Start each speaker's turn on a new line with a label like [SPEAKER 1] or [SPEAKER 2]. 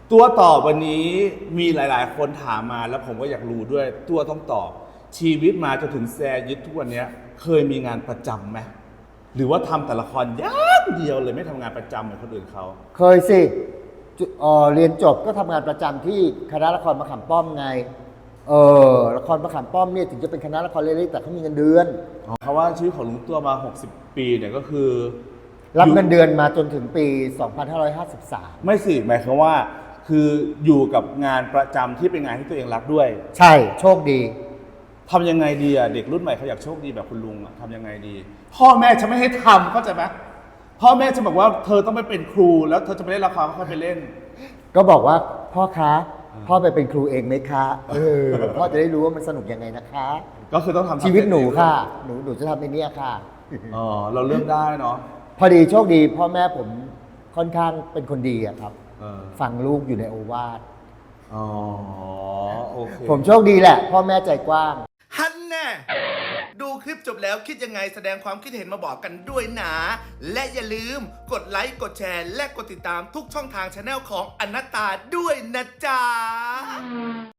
[SPEAKER 1] ตัวตอบวันนี้มีหลายๆ คนถามมาแล้วผมก็อยากรู้ด้วยตัวต้องตอบชีวิตมาจนถึงแซยึดทุกวันนี้เคยมีงานประจำไหมหรือว่าทำแต่ละครอย่างเดียวเลยไม่ทำงานประจำเหมือนคนอื่นเขา
[SPEAKER 2] เคยสิเรียนจบก็ทำงานประจำที่คณะละครมะขามป้อมไงละครมะขามป้อมเนี่ยถึงจะเป็นคณะละครเล็กๆแต่เขามีเงินเดือน
[SPEAKER 1] เขาว่าชีวิตของลุงตัวมา60 ปีเนี่ยก็คือ
[SPEAKER 2] รับเงินเดือนมาจนถึงปี 2553
[SPEAKER 1] ไม่สิหมายความว่าคืออยู่กับงานประจำที่เป็นงานที่ตัวเองรักด้วย
[SPEAKER 2] ใช่โชคดี
[SPEAKER 1] ทำยังไงดีอ่ะเด็กรุ่นใหม่เขาอยากโชคดีแบบคุณลุงอ่ะทำยังไงดีพ่อแม่จะไม่ให้ทำเข้าใจไหมพ่อแม่จะบอกว่าเธอต้องไปเป็นครูแล้วเธอจะไปเล่นละครก็ค่อยไปเล่น
[SPEAKER 2] ก็บอกว่าพ่อคะพ่อไปเป็นครูเองไหมคะพ่อจะได้รู้ว่ามันสนุกยังไงนะคะ
[SPEAKER 1] ก็คือต้องทำ
[SPEAKER 2] ชีวิตหนูค่ะหนูจะทำในนี้ค่ะ
[SPEAKER 1] อ๋อเราเริ่มได้เนาะ
[SPEAKER 2] พอดีโชคดีพ่อแม่ผมค่อนข้างเป็นคนดีอะครับฟังลูกอยู่ในโอวาท
[SPEAKER 1] อ๋อโอเค
[SPEAKER 2] ผมโชคดีแหละพ่อแม่ใจกว้าง
[SPEAKER 3] ฮันแน่ดูคลิปจบแล้วคิดยังไงแสดงความคิดเห็นมาบอกกันด้วยนะ และอย่าลืมกดไลค์กดแชร์และกดติดตามทุกช่องทางช anel ของอนัตตาด้วยนะจ๊ะ